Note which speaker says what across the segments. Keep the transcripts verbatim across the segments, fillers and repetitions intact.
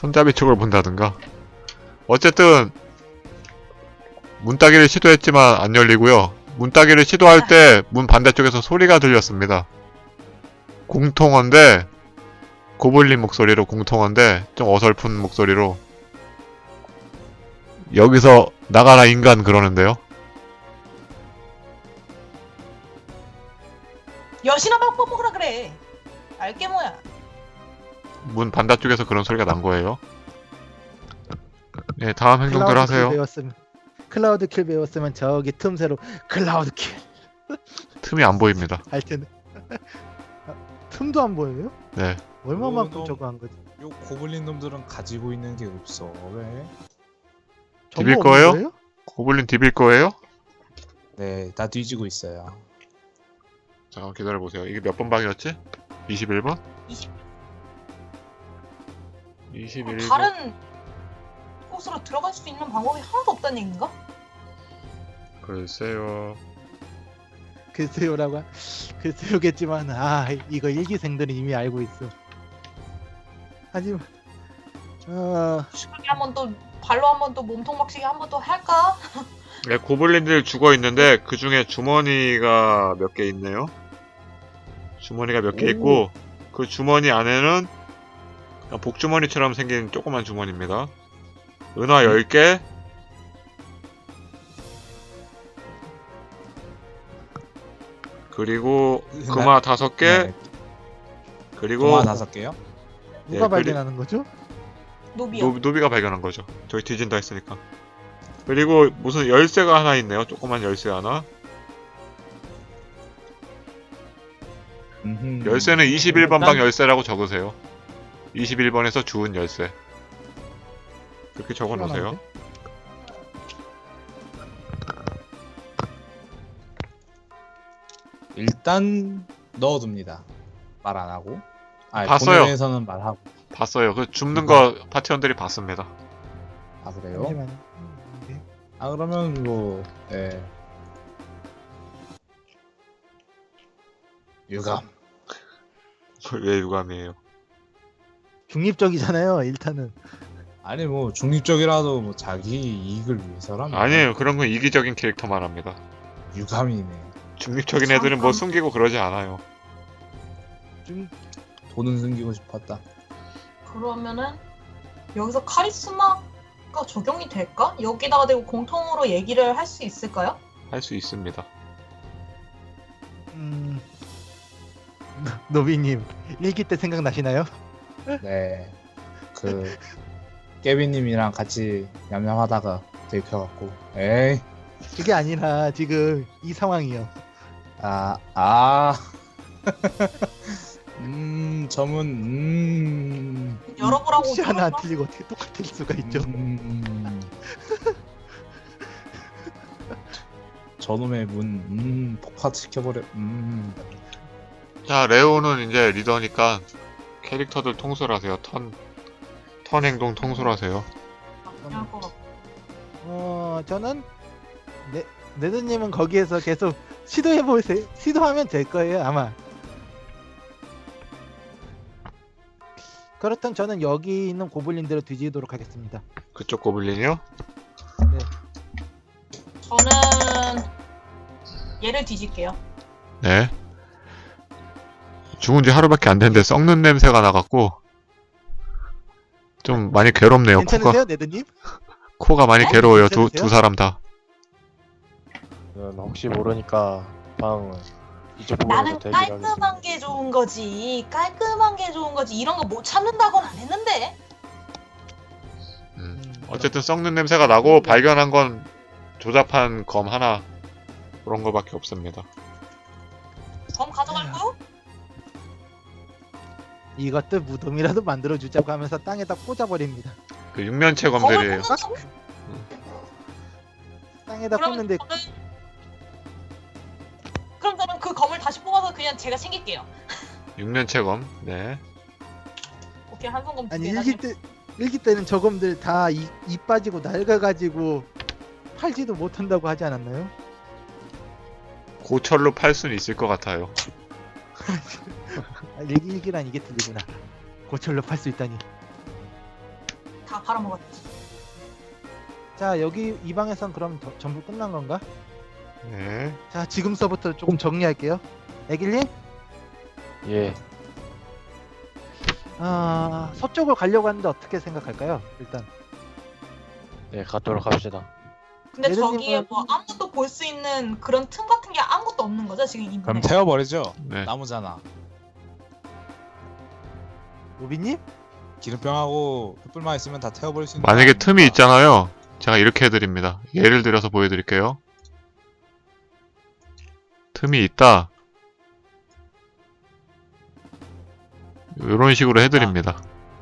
Speaker 1: 손잡이 쪽을 본다든가. 어쨌든 문 따기를 시도했지만 안 열리고요. 문 따기를 시도할 때 문 반대쪽에서 소리가 들렸습니다. 공통어인데 고블린 목소리로 공통어인데 좀 어설픈 목소리로 여기서 나가라 인간 그러는데요.
Speaker 2: 여신아 밥퍼 먹으라 그래. 알게 뭐야.
Speaker 1: 문 반대쪽에서 그런 소리가 난 거예요. 네, 다음 행동들
Speaker 3: 클라우드
Speaker 1: 하세요.
Speaker 3: 킬 배웠으면 클라우드 킬 배웠으면 저기 틈새로 클라우드 킬
Speaker 1: 틈이 안 보입니다.
Speaker 3: 할 텐데. 아, 틈도 안 보여요?
Speaker 1: 네.
Speaker 3: 얼마만큼
Speaker 4: 어,
Speaker 3: 저거 한 거지?
Speaker 4: 요 고블린 놈들은 가지고 있는 게 없어. 왜?
Speaker 1: 디빌
Speaker 3: 정보
Speaker 1: 거예요?
Speaker 3: 없는 거예요?
Speaker 1: 고블린 디빌 거예요?
Speaker 4: 네, 다 뒤지고 있어요.
Speaker 1: 잠깐 기다려보세요. 이게 몇 번 방이었지? 이십일 번?
Speaker 2: 이십.
Speaker 1: 이십일 번?
Speaker 2: 다른 곳으로 들어갈 수 있는 방법이 하나도 없다는 얘기인가?
Speaker 1: 글쎄요.
Speaker 3: 글쎄요라고 하- 글쎄요겠지만 아 이거 일기생들은 이미 알고 있어. 하지만 어
Speaker 2: 그렇게 한번 또 발로 한번 또 몸통 박치기 한번 또 할까?
Speaker 1: 네, 고블린들 죽어 있는데 그 중에 주머니가 몇 개 있네요. 주머니가 몇 개
Speaker 3: 오.
Speaker 1: 있고 그 주머니 안에는 그냥 복주머니처럼 생긴 조그만 주머니입니다. 은화 열 개, 그리고 금화 다섯 개,
Speaker 4: 네,
Speaker 1: 그리고
Speaker 4: 고마 다섯 개요?
Speaker 3: 누가
Speaker 1: 예, 그리-
Speaker 3: 발견하는 거죠?
Speaker 2: 노비요.
Speaker 1: 노, 노비가 발견한 거죠. 저희 뒤진다 했으니까. 그리고 무슨 열쇠가 하나 있네요. 조그만 열쇠 하나.
Speaker 4: 음흠.
Speaker 1: 열쇠는 이십일 번 방
Speaker 3: 일단-
Speaker 1: 열쇠라고 적으세요. 이십일 번에서 주운 열쇠. 그렇게 적어 놓으세요.
Speaker 4: 일단 넣어둡니다. 말 안 하고. 아,
Speaker 1: 봤어요.
Speaker 4: 본회에서는 말하고.
Speaker 1: 봤어요. 그 줍는 거 파티원들이 봤습니다.
Speaker 4: 아 그래요?
Speaker 3: 잠시만요. 네.
Speaker 4: 아 그러면 뭐 예. 유감.
Speaker 1: 왜 유감이에요?
Speaker 3: 중립적이잖아요. 일단은
Speaker 4: 아니 뭐 중립적이라도 뭐 자기 이익을 위해서라면
Speaker 1: 아니에요. 그런 건 이기적인 캐릭터만 합니다.
Speaker 4: 유감이네.
Speaker 1: 중립적인 애들은 뭐 숨기고 그러지 않아요.
Speaker 3: 중
Speaker 4: 돈은 숨기고 싶었다.
Speaker 2: 그러면은 여기서 카리스마가 적용이 될까? 여기다가 대고 공통으로 얘기를 할 수 있을까요?
Speaker 1: 할 수 있습니다.
Speaker 3: 음 노비님 일기 때 생각나시나요?
Speaker 4: 네. 그 깨비님이랑 같이 냠냠하다가 들켜갖고 에이
Speaker 3: 그게 아니라 지금 이 상황이요.
Speaker 4: 아 아. 음 점은 음.
Speaker 2: 열어보라고.
Speaker 3: 혹시 하나 안
Speaker 2: 들었어?
Speaker 3: 틀리고 어떻게 똑같을 수가 있죠?
Speaker 4: 음. 저놈의 문 음, 폭파시켜버려. 음.
Speaker 1: 자, 레오는 이제 리더니까 캐릭터들 통솔하세요. 턴, 턴 행동 통솔하세요.
Speaker 2: 나쁘지 않을 것 같고.
Speaker 3: 어 저는 네 네드님은 거기에서 계속 시도해 보세요. 시도하면 될 거예요 아마. 그렇다면 저는 여기 있는 고블린들을 뒤지도록 하겠습니다.
Speaker 1: 그쪽 고블린이요?
Speaker 2: 저는 얘를 뒤질게요.
Speaker 1: 네. 죽은 지 하루밖에 안 됐는데 썩는 냄새가 나갖고 좀 많이 괴롭네요.
Speaker 3: 괜찮으세요
Speaker 1: 코가,
Speaker 3: 네드님?
Speaker 1: 코가 많이
Speaker 2: 네?
Speaker 1: 괴로워요. 두,
Speaker 3: 괜찮으세요?
Speaker 1: 두 사람 다.
Speaker 5: 는 혹시 모르니까 방 이쪽 부분에서
Speaker 2: 나는
Speaker 5: 대기를
Speaker 2: 깔끔한
Speaker 5: 하겠습니다.
Speaker 2: 게 좋은 거지. 깔끔한 게 좋은 거지. 이런 거 못 참는다고는 안 했는데.
Speaker 1: 음.
Speaker 3: 음,
Speaker 1: 어쨌든 썩는 냄새가 나고 발견한 건 조잡한 검 하나 그런 거밖에 없습니다.
Speaker 2: 검 가져갈 거요?
Speaker 3: 이것도 무덤이라도 만들어 주자고 하면서 땅에다 꽂아버립니다.
Speaker 1: 그 육면체
Speaker 2: 검을
Speaker 1: 검들이에요.
Speaker 2: 꽂는다고?
Speaker 3: 땅에다
Speaker 2: 그럼
Speaker 3: 꽂는데
Speaker 2: 저는 그럼 저는 그 검을 다시 뽑아서 그냥 제가 챙길게요.
Speaker 1: 육면체 검. 네.
Speaker 2: 오케이 한손검 두
Speaker 3: 아니
Speaker 2: 개.
Speaker 3: 일기 때 일기 때는 저검들 다 이 이 빠지고 낡아가지고 팔지도 못한다고 하지 않았나요?
Speaker 1: 고철로 팔 수는 있을 것 같아요.
Speaker 3: 아, 일기 일기란 이게 틀리구나. 고철로 팔 수 있다니.
Speaker 2: 다 팔아먹었지.
Speaker 3: 자 여기 이 방에선 그럼 더- 전부 끝난 건가?
Speaker 1: 네.
Speaker 3: 자 지금서부터 조금 정리할게요. 애길님,
Speaker 5: 예.
Speaker 3: 아 서쪽을 가려고 하는데 어떻게 생각할까요? 일단
Speaker 5: 네, 가도록 합시다.
Speaker 2: 근데
Speaker 3: 예전님은-
Speaker 2: 저기에 뭐 아무것도 볼 수 있는 그런 틈 같은 게 아무것도 없는 거죠 지금 이
Speaker 4: 그럼
Speaker 2: 문에.
Speaker 4: 태워버리죠.
Speaker 1: 네.
Speaker 4: 나무잖아.
Speaker 3: 노비님,
Speaker 4: 기름병하고 횃불만 있으면 다 태워버릴 수 있는.
Speaker 1: 만약에
Speaker 4: 거
Speaker 1: 틈이
Speaker 4: 아닙니까?
Speaker 1: 있잖아요. 제가 이렇게 해드립니다. 예를 들어서 보여드릴게요. 틈이 있다. 이런 식으로 해드립니다.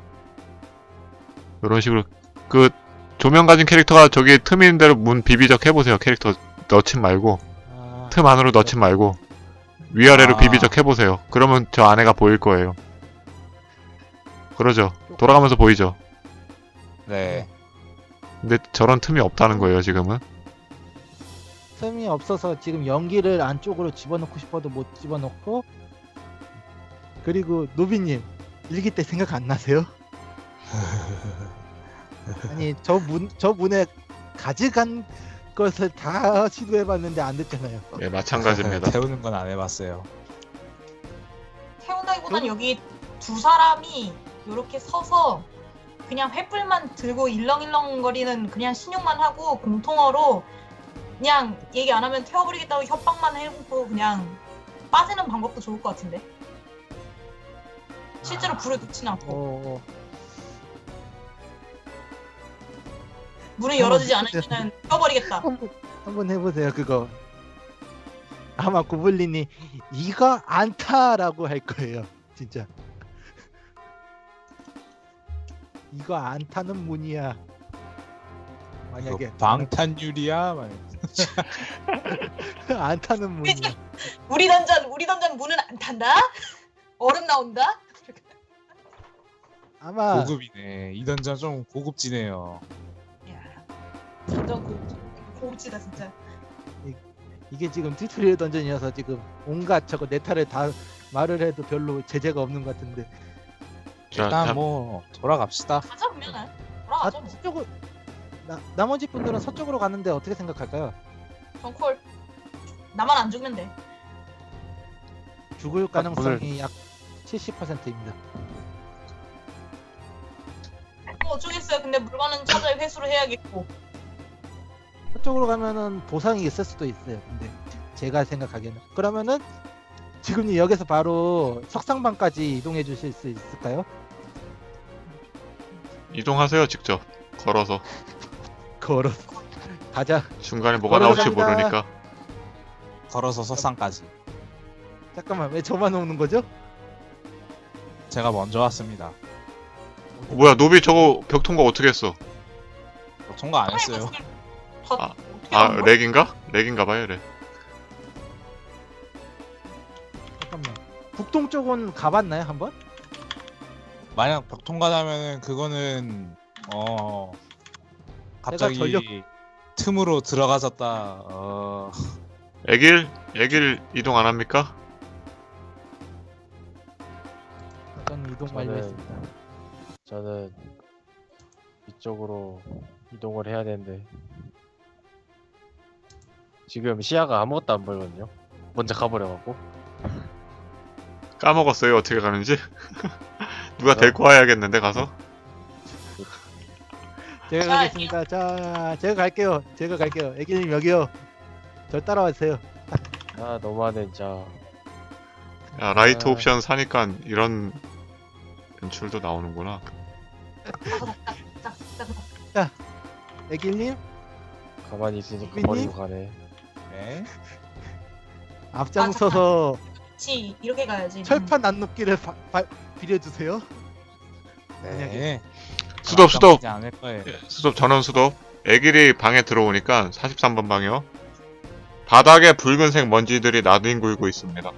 Speaker 1: 이런 식으로 그 조명 가진 캐릭터가 저기 틈 있는 대로 문 비비적 해보세요. 캐릭터 넣친 말고
Speaker 3: 아,
Speaker 1: 틈 안으로 넣친 말고 위아래로
Speaker 4: 아.
Speaker 1: 비비적 해보세요. 그러면 저 안에가 보일 거예요. 그러죠. 돌아가면서 보이죠.
Speaker 4: 네.
Speaker 1: 근데 저런 틈이 없다는 거예요. 지금은.
Speaker 3: 틈이 없어서 지금 연기를 안쪽으로 집어넣고 싶어도 못 집어넣고. 그리고 노비님 일기 때 생각 안 나세요? 아니 저 문 저 문에 가져간 것을 다 시도해봤는데 안 됐잖아요.
Speaker 1: 예, 마찬가지입니다.
Speaker 4: 태우는 건 안 해봤어요.
Speaker 2: 태운다기보단
Speaker 3: 음.
Speaker 2: 여기 두 사람이 이렇게 서서 그냥 횃불만 들고 일렁일렁거리는 그냥 신용만 하고 공통어로 그냥 얘기 안 하면 태워버리겠다고 협박만 해놓고 그냥 빠지는 방법도 좋을 것 같은데. 실제로 불을 놓진 않고
Speaker 3: 어,
Speaker 2: 문을
Speaker 3: 한번
Speaker 2: 열어주지
Speaker 3: 해보세요.
Speaker 2: 않으면 태워버리겠다.
Speaker 3: 한번 한번 해보세요 그거. 아마 구블린이 이거 안타라고 할 거예요 진짜. 이거 안 타는 문이야. 만약에
Speaker 4: 이거 방탄유리야? 막
Speaker 3: 안 타는 문이야.
Speaker 2: 우리 던전 우리 던전 문은 안 탄다. 얼음 나온다.
Speaker 3: 아마
Speaker 4: 고급이네. 이 던전 좀 고급지네요.
Speaker 2: 야, 완전 고급지, 고급지다 진짜.
Speaker 3: 이게 지금 튜토리얼 던전이어서 지금 온갖 저거 네타를 다 말을 해도 별로 제재가 없는 것 같은데.
Speaker 1: 자,
Speaker 4: 일단
Speaker 1: 자,
Speaker 4: 뭐 돌아갑시다.
Speaker 2: 가자 그러면은
Speaker 3: 아,
Speaker 2: 돌아가죠 뭐.
Speaker 3: 서쪽을 나, 나머지 분들은 서쪽으로 가는데 어떻게 생각할까요?
Speaker 2: 전콜 나만 안 죽으면 돼.
Speaker 3: 죽을
Speaker 5: 아,
Speaker 3: 가능성이 약 칠십 퍼센트입니다.
Speaker 2: 뭐 어쩌겠어요. 근데 물건은 찾아 회수를 해야겠고.
Speaker 3: 서쪽으로 가면은 보상이 있을 수도 있어요. 근데 제가 생각하기에는 그러면은 지금 여기서 바로 석상방까지 이동해 주실 수 있을까요?
Speaker 1: 이동하세요. 직접 걸어서.
Speaker 3: 걸어 가자.
Speaker 1: 중간에 뭐가
Speaker 3: 걸어서
Speaker 1: 나올지
Speaker 3: 갑니다.
Speaker 1: 모르니까.
Speaker 4: 걸어서 석상까지.
Speaker 3: 잠깐만 왜 저만 오는 거죠?
Speaker 4: 제가 먼저 왔습니다.
Speaker 1: 어, 뭐야 노비 저거 벽 통과 어떻게 했어?
Speaker 4: 뭐 통과 안 했어요.
Speaker 2: 다
Speaker 1: 아,
Speaker 2: 어떻게
Speaker 1: 아
Speaker 2: 한 거야?
Speaker 1: 렉인가? 렉인가 봐요 렉.
Speaker 3: 잠깐만. 북동쪽은 가봤나요 한번?
Speaker 4: 만약 벽 통과하면은 그거는 어 갑자기
Speaker 3: 전력-
Speaker 4: 틈으로 들어가졌다. 어
Speaker 1: 애길? 애길 이동 안 합니까?
Speaker 3: 저는 이동
Speaker 5: 저는-
Speaker 3: 완료했습니다.
Speaker 5: 저는 이쪽으로 이동을 해야 되는데 지금 시야가 아무것도 안 보이거든요. 먼저 가버려갖고.
Speaker 1: 까먹었어요 어떻게 가는지. 누가 데리고 와야겠는데 가서.
Speaker 3: 제가
Speaker 2: 자,
Speaker 3: 가겠습니다. 자, 제가 갈게요. 제가 갈게요. 애기님 여기요. 저 따라와주세요.
Speaker 5: 아 너무하네 진짜.
Speaker 1: 야 라이트
Speaker 3: 아.
Speaker 1: 옵션 사니까 이런 연출도 나오는구나.
Speaker 2: 짝짝짝짝짝.
Speaker 3: 애기님
Speaker 5: 가만히 있으니까
Speaker 3: 수빈님?
Speaker 5: 버리고 가네.
Speaker 4: 네.
Speaker 3: 앞장서서
Speaker 2: 그렇지 이렇게 가야지.
Speaker 3: 철판 난눕기를 바, 바, 빌려주세요.
Speaker 4: 네.
Speaker 1: 수덥 수덥
Speaker 4: 깜빡이지 않을 거예요.
Speaker 1: 수덥 전원 수덥. 애길이 방에 들어오니까 사십삼 번 방이요. 바닥에 붉은색 먼지들이 나뒹굴고 있습니다.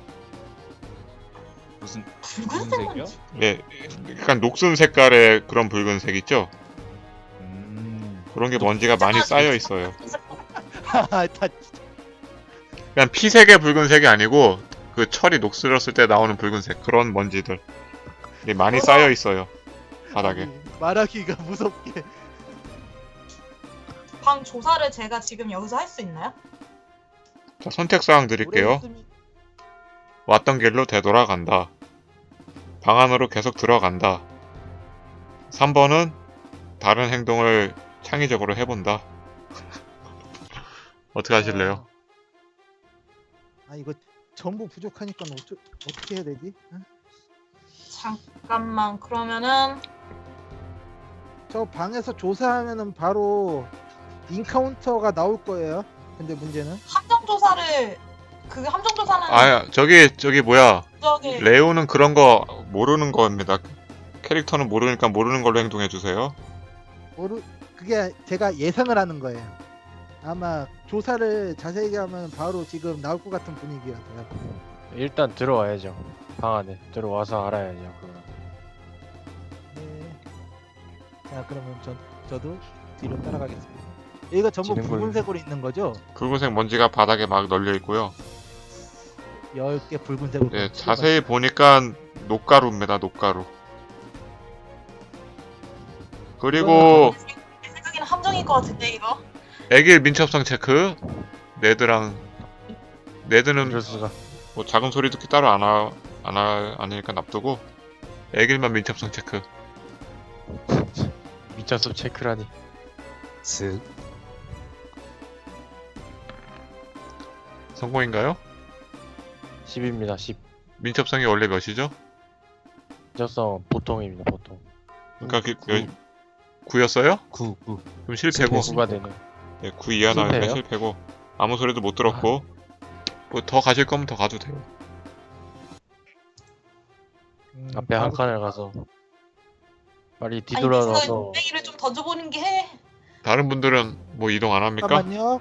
Speaker 4: 무슨
Speaker 2: 붉은색
Speaker 4: 색이요?
Speaker 2: 먼지.
Speaker 1: 예, 약간 녹슨 색깔의 그런 붉은색 있죠?
Speaker 4: 음.
Speaker 1: 그런 게 먼지가 많이 쌓여 있어요.
Speaker 3: 다
Speaker 1: 그냥 피색의 붉은색이 아니고 그 철이 녹슬었을 때 나오는 붉은색 그런 먼지들 이 많이 쌓여 있어요 바닥에.
Speaker 3: 말하기가 무섭게.
Speaker 2: 방 조사를 제가 지금 여기서 할 수 있나요?
Speaker 1: 자, 선택사항
Speaker 3: 오래
Speaker 1: 드릴게요.
Speaker 3: 있으면-
Speaker 1: 왔던 길로 되돌아간다. 방 안으로 계속 들어간다. 삼 번은 다른 행동을 창의적으로 해본다. 어떻게 하실래요?
Speaker 3: 아 이거 전부 부족하니까 어쩌, 어떻게 해야 되지? 응?
Speaker 2: 잠깐만 그러면은
Speaker 3: 저 방에서 조사하면은 바로 인카운터가 나올 거예요. 근데 문제는
Speaker 2: 함정 조사를 그 함정 조사는
Speaker 1: 아, 저기, 저기 뭐야.
Speaker 2: 저기
Speaker 1: 레오는 그런 거 모르는 겁니다. 캐릭터는 모르니까 모르는 걸로 행동해주세요.
Speaker 3: 모르 그게 제가 예상을 하는 거예요. 아마 조사를 자세히 하면 바로 지금 나올 것 같은 분위기여서요.
Speaker 5: 일단 들어와야죠. 방 안에 들어와서 알아야죠. 그거.
Speaker 3: 네. 자 그러면 전 저도 뒤로 따라가겠습니다. 여기가 전부
Speaker 5: 지는 걸로.
Speaker 3: 붉은색으로 있는 거죠?
Speaker 1: 붉은색 먼지가 바닥에 막 널려 있고요.
Speaker 3: 열 개 붉은색으로.
Speaker 1: 네, 자세히 보니까 녹가루입니다, 녹가루. 그리고
Speaker 2: 내 생각에는 함정일 것 같은데 이거.
Speaker 1: 애길 민첩성 체크. 네드랑 네드는
Speaker 5: 이럴 수가.
Speaker 1: 뭐 작은 소리 듣기 따로 안 하, 안 하, 아니니까 납두고 애길만 민첩성 체크.
Speaker 5: 미쳤어 체크라니.
Speaker 4: 슥.
Speaker 1: 성공인가요?
Speaker 5: 십입니다. 십.
Speaker 1: 민첩성이 원래 몇이죠?
Speaker 5: 미쳤어 보통입니다. 보통.
Speaker 1: 그러니까 그,
Speaker 5: 구.
Speaker 1: 여, 구였어요?
Speaker 4: 구, 구.
Speaker 1: 그럼 실패고.
Speaker 5: 구가 되네.
Speaker 1: 네, 구 이하 나오니까
Speaker 5: 실패예요?
Speaker 1: 실패고. 아무 소리도 못 들었고. 뭐 더 가실 거면 더 가도 돼요.
Speaker 3: 음,
Speaker 5: 앞에 한
Speaker 3: 바로-
Speaker 5: 칸을 가서 빨리
Speaker 2: 아니
Speaker 5: 뒤돌아가서
Speaker 2: 뺑이를 좀 던져보는 게 해.
Speaker 1: 다른 분들은 뭐 이동 안 합니까?
Speaker 3: 잠깐만요.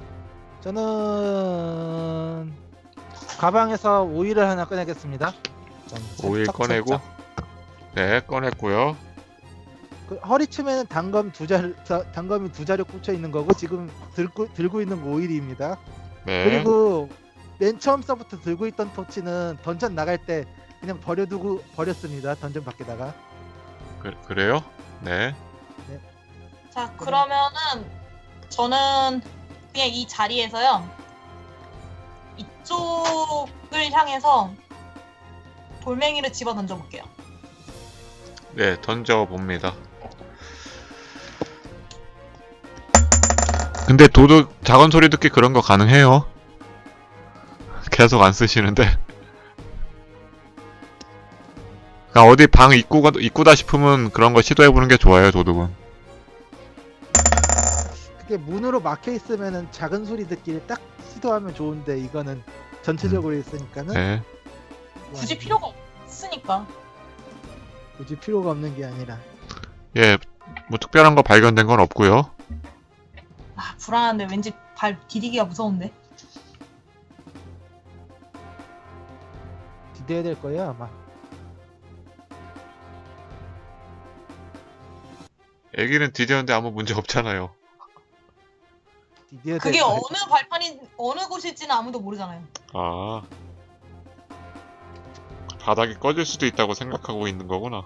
Speaker 3: 저는 가방에서 오일을 하나 꺼내겠습니다. 전
Speaker 1: 오일
Speaker 3: 살짝,
Speaker 1: 꺼내고.
Speaker 3: 살짝.
Speaker 1: 네, 꺼냈고요.
Speaker 3: 그 허리춤에는 단검 두 자루, 자- 단검이 두 자루 꽂혀 있는 거고 지금 들고 들고 있는 거 오일입니다.
Speaker 1: 네.
Speaker 3: 그리고 맨 처음서부터 들고 있던 토치는 던전 나갈 때 그냥 버려두고 버렸습니다. 던전 밖에다가.
Speaker 1: 그, 그래요? 네.
Speaker 2: 자 그러면은 저는 그냥 이 자리에서요 이쪽을 향해서 돌멩이를 집어 던져볼게요.
Speaker 1: 네, 던져봅니다. 근데 도둑 작은 소리 듣기 그런 거 가능해요. 계속 안 쓰시는데. 그러니까 어디 방 입구가 입구다 싶으면 그런 거 시도해보는 게 좋아요, 도둑은.
Speaker 3: 그게 문으로 막혀 있으면은 작은 소리 듣기를 딱 시도하면 좋은데 이거는 전체적으로 있으니까는
Speaker 1: 네.
Speaker 2: 굳이 필요가 없으니까.
Speaker 3: 굳이 필요가 없는 게 아니라.
Speaker 1: 예, 뭐 특별한 거 발견된 건 없고요.
Speaker 2: 아 불안한데 왠지 발 디디기가 무서운데.
Speaker 3: 기대해야 될 거예요 아마.
Speaker 1: 애기는 디디었는데 아무 문제 없잖아요.
Speaker 3: 기대해야 될
Speaker 2: 그게
Speaker 3: 거예요.
Speaker 2: 어느 발판이 어느 곳일지는 아무도 모르잖아요.
Speaker 1: 아. 바닥이 꺼질 수도 있다고 생각하고 있는 거구나.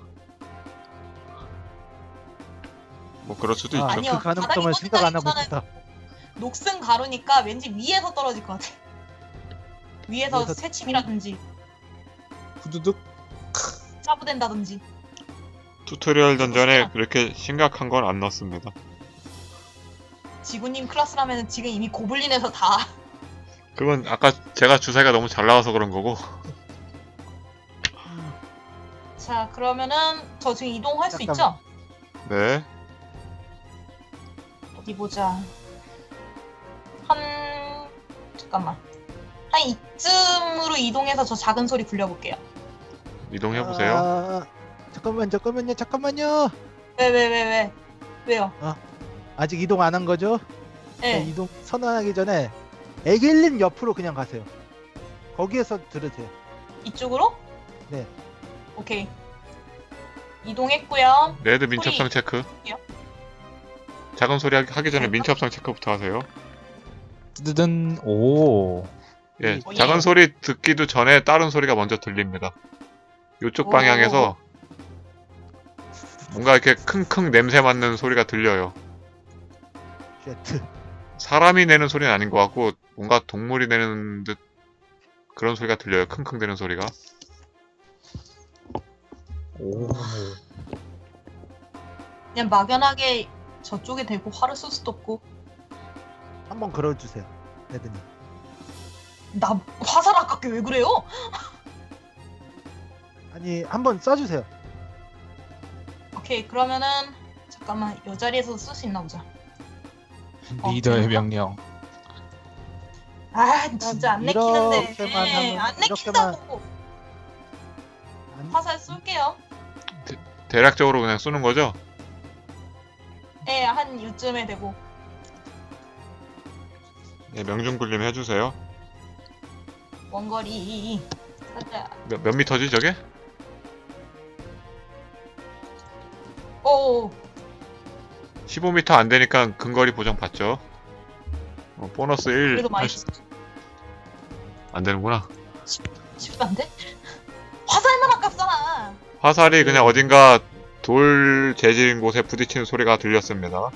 Speaker 1: 뭐 그럴 수도
Speaker 3: 아,
Speaker 1: 있죠.
Speaker 2: 아니요.
Speaker 3: 그 가능성을
Speaker 2: 바닥이
Speaker 3: 생각 안 하고
Speaker 2: 꺼진다기보다는
Speaker 3: 있다.
Speaker 2: 녹슨 가루니까 왠지 위에서 떨어질 것 같아. 위에서
Speaker 3: 위에서
Speaker 2: 새침이라든지
Speaker 4: 후두둑.
Speaker 2: 짜부된다든지.
Speaker 1: 튜토리얼 던전에 그렇게 심각한 건 안 넣습니다.
Speaker 2: 지구님 클래스라면 지금 이미 고블린에서 다.
Speaker 1: 그건 아까 제가 주사위가 너무 잘 나와서 그런 거고.
Speaker 2: 자 그러면은 저 지금 이동할 수
Speaker 3: 잠깐만.
Speaker 2: 있죠?
Speaker 1: 네.
Speaker 2: 어디 보자. 한 잠깐만. 한 이쯤으로 이동해서 저 작은 소리 굴려볼게요.
Speaker 1: 이동해보세요.
Speaker 3: 아, 잠깐만 잠깐만요 잠깐만요.
Speaker 2: 왜 왜 왜 왜, 왜요?
Speaker 3: 아직 이동 안 한 거죠?
Speaker 2: 예.
Speaker 3: 자, 이동 선언하기 전에 애길님 옆으로 그냥 가세요. 거기에서 들으세요.
Speaker 2: 이쪽으로?
Speaker 3: 네.
Speaker 2: 오케이. 이동했고요.
Speaker 1: 레드 민첩성 체크.
Speaker 2: 소리요?
Speaker 1: 작은 소리 하기- 하기 전에
Speaker 2: 네.
Speaker 1: 민첩성 체크부터 하세요.
Speaker 4: 뜨든 오.
Speaker 1: 예,
Speaker 2: 오, 예.
Speaker 1: 작은 소리 듣기도 전에 다른 소리가 먼저 들립니다. 요쪽
Speaker 2: 오.
Speaker 1: 방향에서 뭔가 이렇게 킁킁 냄새 맡는 소리가 들려요.
Speaker 3: 쉐트.
Speaker 1: 사람이 내는 소리는 아닌 것 같고 뭔가 동물이 내는 듯 그런 소리가 들려요. 킁킁 대는 소리가.
Speaker 4: 오.
Speaker 2: 그냥 막연하게 저쪽에 대고 화를 쏠 수도 없고.
Speaker 3: 한번 걸어주세요, 레드님.
Speaker 2: 나 화살 아깝게 왜 그래요?
Speaker 3: 아니 한번 쏴주세요.
Speaker 2: 오케이 그러면은 잠깐만 이 자리에서 쓸 수 있나 보자. 어,
Speaker 4: 리더의
Speaker 2: 그런가?
Speaker 4: 명령.
Speaker 2: 아 진짜 안 내키는데.
Speaker 3: 이렇게만 하면-
Speaker 2: 안
Speaker 3: 이렇게만-
Speaker 2: 내킨다고.
Speaker 3: 아니,
Speaker 2: 화살 쏠게요.
Speaker 1: 대략적으로 그냥 쏘는 거죠?
Speaker 2: 예, 한 이쯤에 되고.
Speaker 1: 네, 명중굴림 해주세요.
Speaker 2: 원거리. 가자.
Speaker 1: 몇, 몇 미터지 저게?
Speaker 2: 오,
Speaker 1: 십오 미터 안 되니까 근거리 보정 받죠. 어, 보너스 일.
Speaker 2: 그래도 많이
Speaker 1: 할 수- 안 되는구나.
Speaker 2: 쉽도 안 돼? 화살만 아깝잖아.
Speaker 1: 화살이 그냥 어딘가 돌 재질인 곳에 부딪히는 소리가 들렸습니다.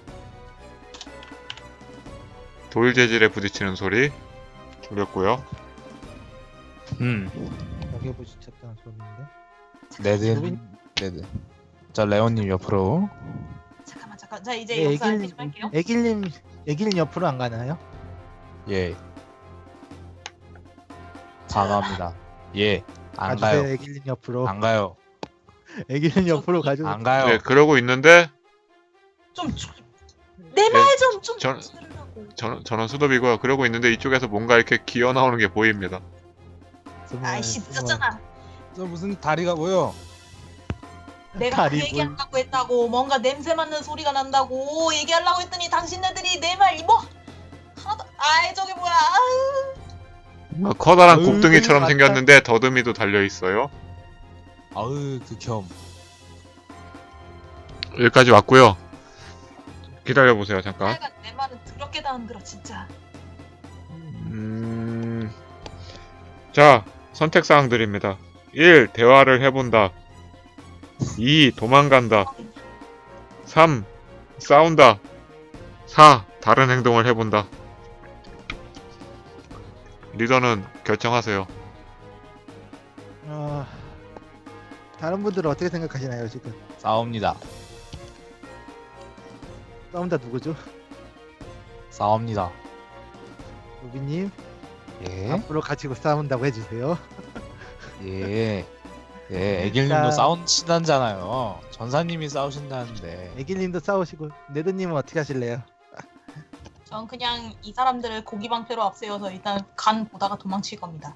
Speaker 1: 돌 재질에 부딪히는 소리 들렸고요.
Speaker 4: 음.
Speaker 3: 벽에 부딪혔다는 소리인데.
Speaker 4: 레드. 레드. 자 레온님 옆으로.
Speaker 2: 잠깐만 잠깐. 자 이제
Speaker 3: 네,
Speaker 2: 역사
Speaker 3: 애길-
Speaker 2: 알피 좀 할게요.
Speaker 3: 애길님, 애길님 옆으로 안 가나요?
Speaker 4: 예. 단호합니다. 예. 안
Speaker 3: 가주세요,
Speaker 4: 가요.
Speaker 3: 애길님 옆으로.
Speaker 4: 안 가요.
Speaker 3: 애길님 옆으로 가줘.
Speaker 4: 안 가요.
Speaker 1: 네, 그러고 있는데
Speaker 2: 좀내 말 좀좀
Speaker 1: 전-
Speaker 2: 들으라고.
Speaker 1: 전, 전원 수dob이고요. 그러고 있는데 이쪽에서 뭔가 이렇게 기어 나오는 게 보입니다.
Speaker 3: 스물,
Speaker 2: 아이씨
Speaker 3: 스물.
Speaker 2: 늦었잖아.
Speaker 4: 저 무슨 다리가 보여?
Speaker 2: 내가
Speaker 3: 다리
Speaker 2: 그 얘기하려고 했다고. 뭔가 냄새 맡는 소리가 난다고 얘기하려고 했더니 당신네들이 내 말 이뭐 하나도. 아이 저게 뭐야. 아유.
Speaker 1: 뭔가 커다란
Speaker 3: 으이,
Speaker 1: 곱등이처럼
Speaker 3: 맞다.
Speaker 1: 생겼는데 더듬이도 달려 있어요.
Speaker 4: 아으 극혐.
Speaker 1: 여기까지 왔고요. 기다려 보세요, 잠깐.
Speaker 2: 하여간 내 말은 더럽게 다 흔들어 진짜.
Speaker 1: 음... 자, 선택 사항들입니다. 일. 대화를 해본다. 이. 도망간다. 삼. 싸운다. 사. 다른 행동을 해본다. 리더는 결정하세요.
Speaker 3: 어, 다른 분들은 어떻게 생각하시나요 지금?
Speaker 4: 싸웁니다.
Speaker 3: 싸운다 누구죠?
Speaker 4: 싸웁니다.
Speaker 3: 로비님
Speaker 4: 예.
Speaker 3: 앞으로 가지고 싸운다고 해주세요.
Speaker 4: 예. 예. 애길님도
Speaker 3: 일단-
Speaker 4: 싸우신다잖아요. 전사님이 싸우신다는데.
Speaker 3: 애길님도 싸우시고 네드님은 어떻게 하실래요?
Speaker 2: 전 그냥 이 사람들을 고기 방패로 앞세워서 일단 간 보다가 도망칠 겁니다.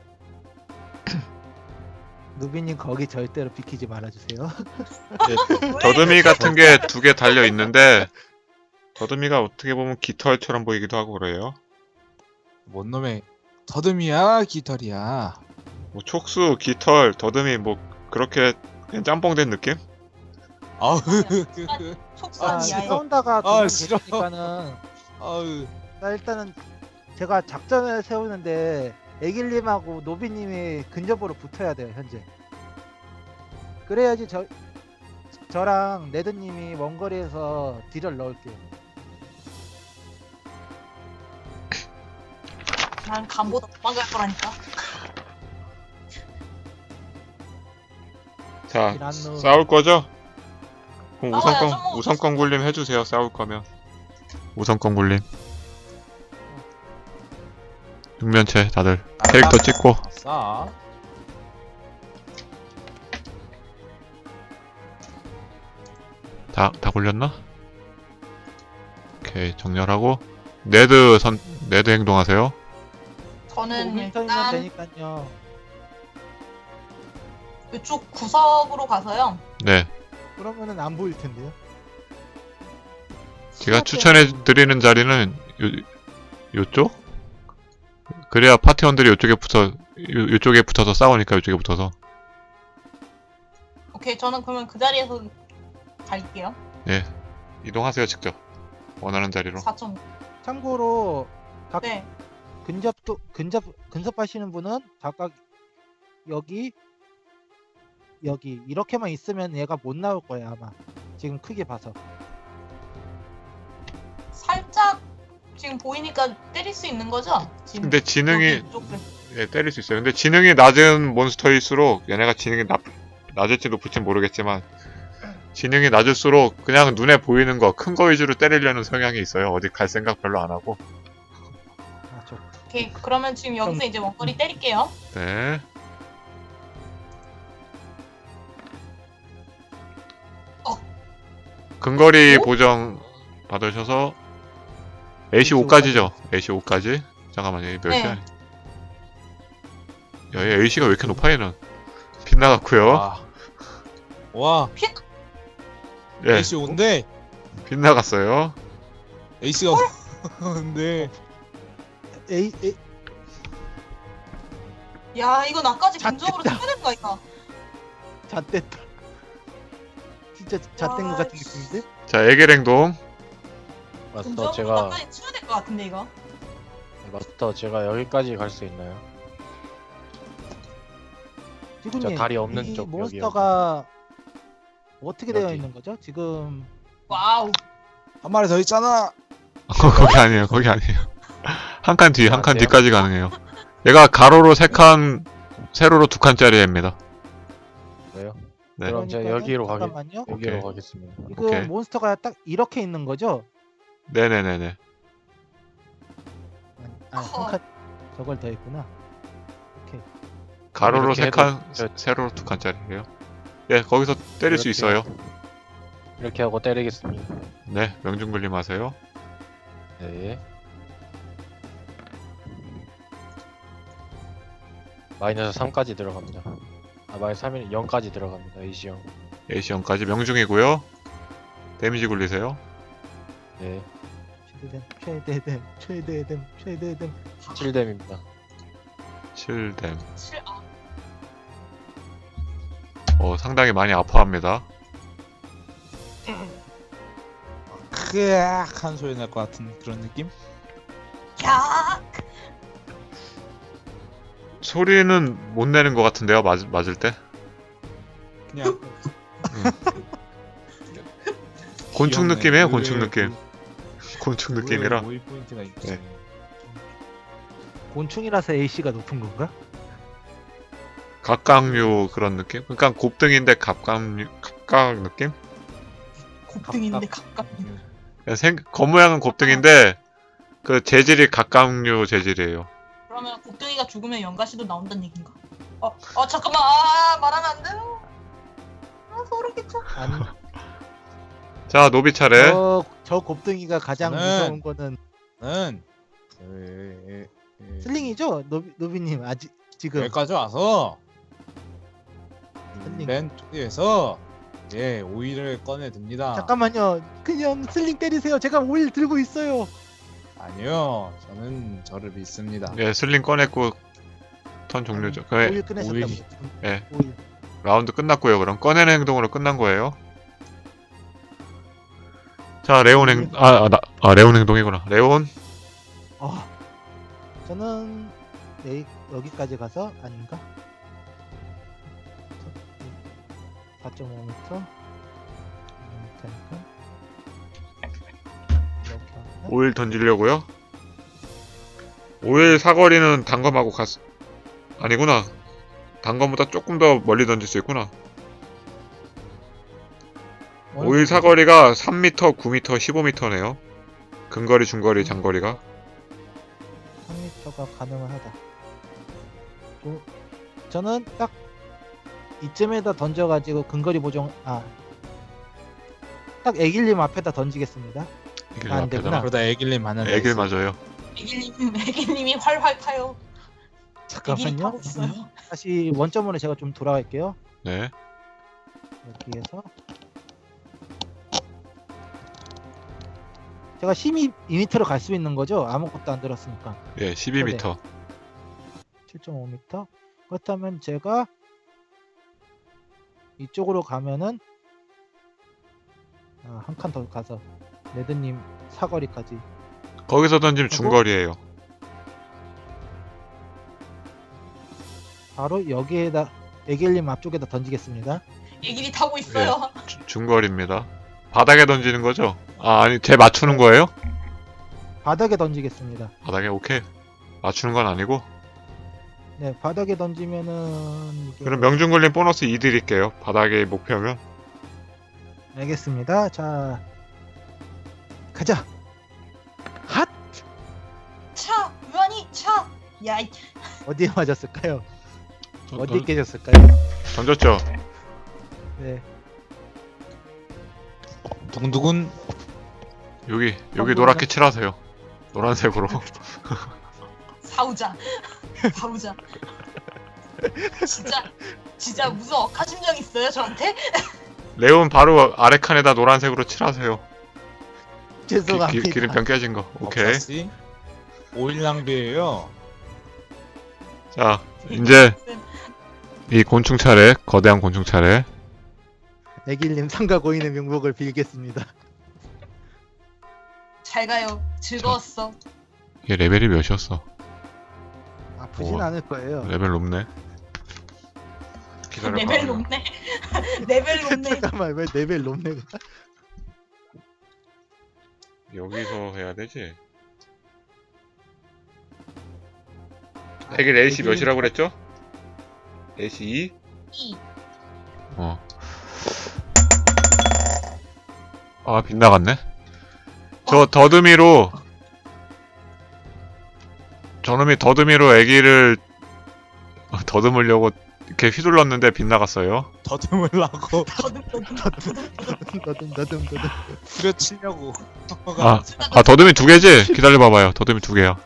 Speaker 3: 루비님 거기 절대로 비키지 말아주세요.
Speaker 1: 더듬이 같은 게 두 개 달려 있는데 더듬이가 어떻게 보면 깃털처럼 보이기도 하고 그래요.
Speaker 4: 뭔 놈의 더듬이야 깃털이야.
Speaker 1: 뭐 촉수, 깃털, 더듬이 뭐 그렇게 그냥 짬뽕된 느낌?
Speaker 4: 아우.
Speaker 2: 속상
Speaker 3: 아,
Speaker 2: 이하에.
Speaker 3: 싸운다가
Speaker 4: 아,
Speaker 3: 도망
Speaker 4: 싫어.
Speaker 3: 계시니까는
Speaker 4: 아우.
Speaker 3: 자, 일단은 제가 작전을 세우는데 애길님하고 노비님이 근접으로 붙어야 돼요 현재. 그래야지 저 저랑 레드님이 먼 거리에서 딜을 넣을게요.
Speaker 2: 난 간보다 도망갈 거라니까.
Speaker 1: 자,
Speaker 3: 이란노.
Speaker 1: 싸울 거죠? 그럼
Speaker 2: 싸워야죠,
Speaker 1: 우선권,
Speaker 2: 뭐.
Speaker 1: 우선권 굴림 해주세요, 싸울 거면. 우선권 굴림. 육면체 다들 캐릭터 찍고.
Speaker 4: 아싸.
Speaker 1: 다, 다 굴렸나? 오케이, 정렬하고. 네드 선, 네드 행동하세요.
Speaker 2: 저는
Speaker 3: 오 미터이면
Speaker 2: 일단
Speaker 3: 되니까요.
Speaker 2: 이쪽 구석으로 가서요.
Speaker 1: 네.
Speaker 3: 그러면은 안 보일 텐데요.
Speaker 1: 제가
Speaker 2: 수납
Speaker 1: 추천해 드리는 자리는 요, 요쪽? 그래야 파티원들이 요쪽에 붙어, 요, 요쪽에 붙어서 싸우니까 요쪽에 붙어서.
Speaker 2: 오케이 저는 그러면 그 자리에서 갈게요.
Speaker 1: 예. 이동하세요, 직접. 원하는 자리로.
Speaker 2: 사 점.
Speaker 3: 참고로 각
Speaker 2: 네.
Speaker 3: 근접도 근접 근접하시는 분은 각각 여기 여기 이렇게만 있으면 얘가 못 나올 거예요 아마. 지금 크게 봐서.
Speaker 2: 살짝 지금 보이니까 때릴 수 있는 거죠? 지금
Speaker 1: 근데 지능이
Speaker 2: 여기 이쪽을.
Speaker 1: 예, 때릴 수 있어요. 근데 지능이 낮은 몬스터일수록 얘네가 지능이 낮, 낮을지 높을지 모르겠지만 지능이 낮을수록 그냥 눈에 보이는 거, 큰 거 위주로 때리려는 성향이 있어요. 어디 갈 생각 별로 안 하고.
Speaker 3: 아, 저
Speaker 2: 오케이, 그러면 지금 여기서 이제 원거리 때릴게요.
Speaker 1: 네.
Speaker 2: 어.
Speaker 1: 근거리
Speaker 2: 오?
Speaker 1: 보정 받으셔서 에이씨 오까지죠. 에이씨 오까지. 잠깐만요. 이몇
Speaker 2: 네.
Speaker 1: 시야? 야, 얘 에이씨가 왜 이렇게 높아 얘는? 빗나갔고요.
Speaker 4: 와. 와.
Speaker 1: 예,
Speaker 4: 에이씨 온데
Speaker 1: 빗나갔어요.
Speaker 4: 에이씨가 온데
Speaker 3: 에이, 에이
Speaker 2: 야, 이거 나까지
Speaker 3: 자,
Speaker 2: 근접으로
Speaker 3: 됐다.
Speaker 2: 쳐야 되는 거 아이가?
Speaker 3: 잣됐다. 진짜 잣된 것
Speaker 2: 와,
Speaker 3: 같은
Speaker 2: 씨.
Speaker 3: 느낌인데?
Speaker 1: 자, 애기랭동.
Speaker 5: 마스터
Speaker 2: 근접으로
Speaker 5: 제가
Speaker 2: 나까지 쳐야 될 것 같은데 이거.
Speaker 5: 마스터 제가 여기까지 갈 수 있나요?
Speaker 3: 지구님,
Speaker 5: 저 다리 없는
Speaker 3: 이
Speaker 5: 쪽, 여기,
Speaker 3: 몬스터가 어떻게 되어
Speaker 5: 여기.
Speaker 3: 있는 거죠? 지금
Speaker 2: 와우.
Speaker 4: 한 마리 더 있잖아.
Speaker 1: 거기 아니에요. 거기 아니에요. 한 칸 뒤, 한 칸
Speaker 5: 아,
Speaker 1: 뒤까지 가능해요. 얘가 가로로 세 칸, 세로로 두 칸짜리 애입니다.
Speaker 5: 왜요?
Speaker 1: 네.
Speaker 5: 그럼 제가
Speaker 3: 그러니까는
Speaker 5: 여기로 가겠
Speaker 3: 잠깐만요.
Speaker 5: 여기로
Speaker 1: 오케이.
Speaker 5: 가겠습니다.
Speaker 3: 지금
Speaker 1: 오케이.
Speaker 3: 몬스터가 딱 이렇게 있는 거죠?
Speaker 1: 네네네네.
Speaker 3: 아,
Speaker 2: 커.
Speaker 3: 한 칸 저걸 더 했구나. 오케이.
Speaker 1: 가로로
Speaker 5: 이렇게
Speaker 1: 세 칸,
Speaker 5: 해도 저-
Speaker 1: 세로로 두 칸짜리예요. 예, 거기서 때릴 수
Speaker 5: 이렇게
Speaker 1: 있어요.
Speaker 5: 이렇게 하고 때리겠습니다.
Speaker 1: 네, 명중불림 하세요.
Speaker 5: 네. 마이너스 삼까지 들어갑니다. 아 마이너스 삼이 영까지 들어갑니다. 에이씨 영.
Speaker 1: 에이씨 영까지 명중이고요. 데미지 굴리세요.
Speaker 5: 네.
Speaker 3: 최대댐, 최대댐, 최대댐, 최대댐.
Speaker 5: 칠 뎀입니다.
Speaker 1: 칠 뎀.
Speaker 2: 칠, 아,
Speaker 1: 어, 상당히 많이 아파합니다.
Speaker 4: 크악 한 소리 날 것 같은 그런 느낌?
Speaker 2: 야,
Speaker 1: 소리는 못 내는 것 같은데요, 맞, 맞을 때?
Speaker 4: 그냥
Speaker 1: 곤충
Speaker 4: 귀엽네.
Speaker 1: 느낌이에요,
Speaker 4: 의외의
Speaker 1: 곤충 느낌.
Speaker 4: 모의-
Speaker 1: 곤충
Speaker 4: 의외의
Speaker 1: 느낌이라.
Speaker 4: 모의 포인트가 있지.
Speaker 1: 네.
Speaker 3: 곤충이라서 에이씨가 높은 건가?
Speaker 1: 갑각류 그런 느낌? 그러니까 곱등인데 갑각류, 갑각 느낌?
Speaker 2: 곱등인데 가깝.
Speaker 1: 그냥 생, 겉모양은 곱등인데 그 재질이 갑각류 재질이에요.
Speaker 2: 그러면 곱등이가 죽으면 연가시도 나온다는 얘긴가? 어, 어 잠깐만, 아, 말하면 안 돼요. 아, 소름 끼쳐.
Speaker 3: 아니,
Speaker 1: 자, 노비 차례.
Speaker 3: 저, 저 곱등이가 가장
Speaker 4: 저는-
Speaker 3: 무서운 거는
Speaker 4: 는 에, 에, 에,
Speaker 3: 슬링이죠? 노비, 노비님 아직 지금
Speaker 4: 여기까지 와서
Speaker 3: 슬링.
Speaker 4: 맨 뒤에서 예 오일을 꺼내 듭니다.
Speaker 3: 잠깐만요. 그냥 슬링 때리세요. 제가 오일 들고 있어요.
Speaker 4: 아니요, 저는 저를 믿습니다.
Speaker 1: 예, 슬링 꺼냈고 턴 종료죠. 그
Speaker 3: 오일 꺼내셨다고.
Speaker 4: 오일.
Speaker 3: 지금.
Speaker 1: 예.
Speaker 3: 오일.
Speaker 1: 라운드 끝났고요. 그럼 꺼내는 행동으로 끝난 거예요. 자, 레온 행, 아, 아, 나, 아 레온 행동이구나. 레온.
Speaker 3: 어. 저는 네, 여기까지 가서 아닌가? 사 점 오 미터. 이렇게 하면
Speaker 1: 오일 던지려고요. 오일 사거리는 단검하고 갔, 아니구나. 단검보다 조금 더 멀리 던질 수 있구나.
Speaker 3: 어느
Speaker 1: 오일
Speaker 3: 정도?
Speaker 1: 사거리가 삼 미터, 구 미터, 십오 미터네요. 근거리, 중거리, 장거리가.
Speaker 3: 삼 미터가 가능은 하다. 저, 저는 딱 이쯤에다 던져가지고 근거리 보정 아. 딱 애길님 앞에다 던지겠습니다.
Speaker 1: 이길
Speaker 3: 안
Speaker 1: 앞에다가.
Speaker 3: 되구나.
Speaker 4: 그러다 애길님 하는
Speaker 1: 애길 맞아요.
Speaker 2: 애기님, 애기님이 활활 타요. 애기님
Speaker 3: 잠깐만요.
Speaker 2: 타고 있어요.
Speaker 3: 다시 원점으로 제가 좀 돌아갈게요.
Speaker 1: 네.
Speaker 3: 여기에서 제가 십이 미터로 갈 수 있는 거죠? 아무것도 안 들었으니까.
Speaker 1: 예, 십이 미터.
Speaker 3: 칠 점 오 미터. 그렇다면 제가 이쪽으로 가면은 아, 한 칸 더 가서 레드님 사거리까지
Speaker 1: 거기서 던지면 중거리예요.
Speaker 3: 바로 여기에다 애길님 앞쪽에다 던지겠습니다.
Speaker 2: 얘기리 타고 있어요.
Speaker 1: 주- 중거리입니다. 바닥에 던지는 거죠? 아, 아니, 제 맞추는 거예요?
Speaker 3: 바닥에 던지겠습니다.
Speaker 1: 바닥에, 오케이. 맞추는 건 아니고.
Speaker 3: 네, 바닥에 던지면은 이게...
Speaker 1: 그럼 명중걸림 보너스 이 드릴게요. 바닥에 목표면.
Speaker 3: 알겠습니다. 자, 가자. 핫!
Speaker 2: 차, 유한이 차. 야, 이
Speaker 3: 어디에 맞았을까요?
Speaker 1: 던-
Speaker 3: 어디에
Speaker 1: 던-
Speaker 3: 깨졌을까요?
Speaker 1: 던졌죠?
Speaker 3: 네,
Speaker 4: 두근두근.
Speaker 1: 여기,
Speaker 3: 어,
Speaker 1: 여기 노랗게 칠하세요. 노란색으로.
Speaker 2: 사우자, 사우자. 진짜, 진짜 무슨 억하심정 있어요 저한테?
Speaker 1: 레온 바로 아래 칸에다 노란색으로 칠하세요. 기,
Speaker 3: 죄송합니다.
Speaker 1: 기, 기름병 깨진 거. 오케이.
Speaker 4: 없었지? 오일 낭비예요.
Speaker 1: 자, 이제 이 곤충 차례, 거대한 곤충 차례.
Speaker 3: 애길님 상가 고인의 명복을 빌겠습니다.
Speaker 2: 잘 가요. 즐거웠어.
Speaker 1: 이게 레벨이 몇이었어?
Speaker 3: 아프진
Speaker 1: 우와.
Speaker 3: 않을 거예요.
Speaker 1: 레벨 높네. 기다려봐.
Speaker 2: 레벨 높네. 레벨 높네.
Speaker 3: 잠깐만, 왜 레벨 높네?
Speaker 1: 여기서 해야 되지. 애길 A씨 몇이라고 그랬죠? A씨 이?
Speaker 2: 이.
Speaker 1: 어. 아, 빗나갔네. 저 더듬이로 저놈이 더듬이로 애기를 어, 더듬으려고 이렇게 휘둘렀는데 빗나갔어요.
Speaker 4: 더듬으려고
Speaker 2: 더듬더듬.
Speaker 3: 너듬 너듬 너듬.
Speaker 4: 후려치려고.
Speaker 1: 아, 아 더듬이 두 개지? 기다려봐봐요. 더듬이 두 개야.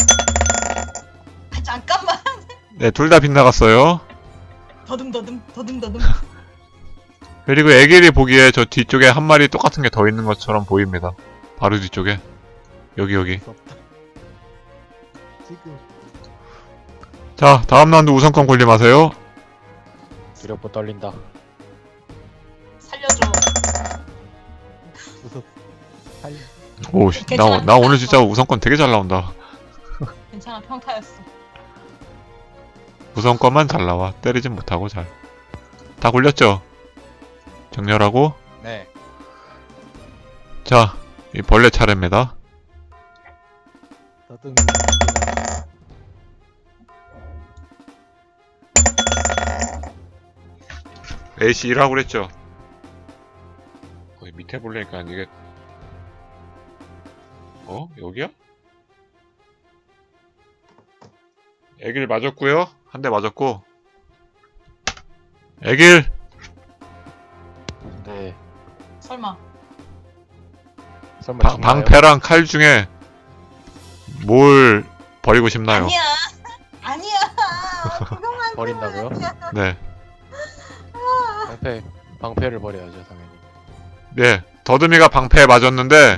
Speaker 2: 아, 잠깐만.
Speaker 1: 네, 둘 다 빗나갔어요.
Speaker 2: 더듬더듬. 더듬더듬.
Speaker 1: 그리고 애기를 보기에 저 뒤쪽에 한 마리 똑같은 게 더 있는 것처럼 보입니다. 바로 뒤쪽에. 여기 여기.
Speaker 3: 무섭다. 지금
Speaker 1: 자, 다음 라운드 우선권 군림하세요.
Speaker 5: 두렵고 떨린다.
Speaker 2: 살려줘.
Speaker 3: 무섭. 살.
Speaker 1: 오, 씨, 나, 나 오늘 진짜 우선권 되게 잘 나온다.
Speaker 2: 괜찮아, 평타였어.
Speaker 1: 우선권만 잘 나와. 때리진 못하고 잘. 다 굴렸죠? 정렬하고.
Speaker 4: 네.
Speaker 1: 자, 이 벌레 차례입니다.
Speaker 3: 너듬.
Speaker 1: A씨 일하고 그랬죠? 거기 밑에 보려니까 이게 어? 여기야? 애길 맞았고요. 한 대 맞았고. 애길!
Speaker 5: 네.
Speaker 2: 설마.
Speaker 5: 설마
Speaker 1: 방,
Speaker 5: 죽나요?
Speaker 1: 방패랑 칼 중에 뭘 버리고 싶나요?
Speaker 2: 아니야. 아니야. 구경만
Speaker 5: 버린다고요?
Speaker 1: 네.
Speaker 5: 방패 방패를 버려야죠 당연히.
Speaker 1: 네. 더듬이가 방패에 맞았는데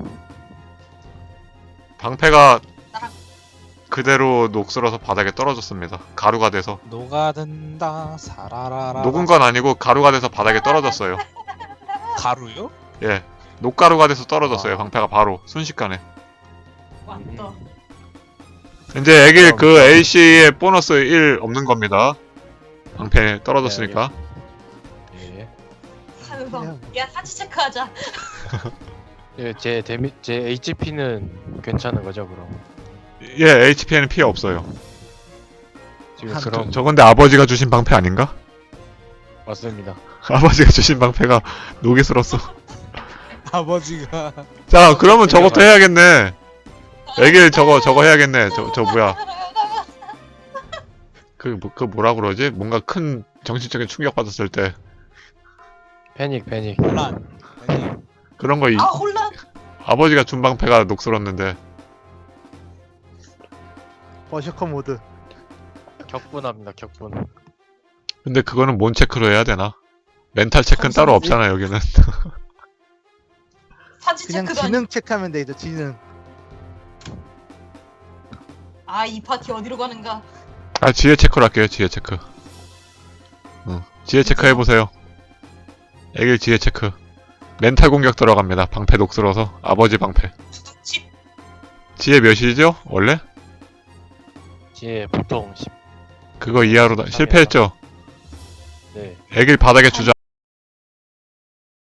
Speaker 1: 방패가 그대로 녹슬어서 바닥에 떨어졌습니다. 가루가 돼서.
Speaker 4: 녹아든다 사라라라.
Speaker 1: 녹은 건 아니고 가루가 돼서 바닥에 떨어졌어요.
Speaker 4: 가루요?
Speaker 1: 예. 녹가루가 돼서 떨어졌어요.
Speaker 4: 아.
Speaker 1: 방패가 바로 순식간에.
Speaker 2: 왔다.
Speaker 1: 이제 애길 그 A씨의 보너스 일 없는 겁니다. 방패 떨어졌으니까.
Speaker 5: 예.
Speaker 2: 산성. 야, 사치 체크하자.
Speaker 5: 예, 제 데미 제 에이치피는 괜찮은 거죠 그럼?
Speaker 1: 예, 에이치피에는 피해 없어요.
Speaker 5: 지금
Speaker 3: 한-
Speaker 5: 그럼
Speaker 1: 저, 저 근데 아버지가 주신 방패 아닌가?
Speaker 5: 맞습니다.
Speaker 1: 아버지가 주신 방패가 녹이 슬었어.
Speaker 4: 아버지가
Speaker 1: 자, 그러면 저것도 해야겠네. 애길 저거 저거 해야겠네. 저 저 뭐야? 그, 뭐- 그 뭐라 그러지? 뭔가 큰 정신적인 충격 받았을 때
Speaker 5: 패닉 패닉.
Speaker 4: 혼란. 아니,
Speaker 1: 그런 거 이,
Speaker 2: 아, 혼란.
Speaker 1: 아버지가 준 방패가 녹슬었는데
Speaker 3: 버셔커 모드.
Speaker 5: 격분합니다 격분.
Speaker 1: 근데 그거는 뭔 체크로 해야 되나? 멘탈 체크는 따로
Speaker 2: 삼성이지?
Speaker 1: 없잖아 여기는.
Speaker 2: 사치
Speaker 3: 그냥
Speaker 2: 체크도 아니.
Speaker 3: 지능 체크하면 되죠. 지능.
Speaker 2: 아, 이 파티 어디로 가는가?
Speaker 1: 아, 지혜 체크로 할게요. 지혜 체크. 응. 지혜 체크 해보세요. 애길 지혜 체크. 멘탈 공격 들어갑니다. 방패 녹슬어서. 아버지 방패.
Speaker 2: 두둑집.
Speaker 1: 지혜 몇이죠? 원래?
Speaker 5: 지에 보통 십.
Speaker 1: 그거 이하로 다, 실패했죠?
Speaker 5: 네.
Speaker 1: 애길 바닥에 주저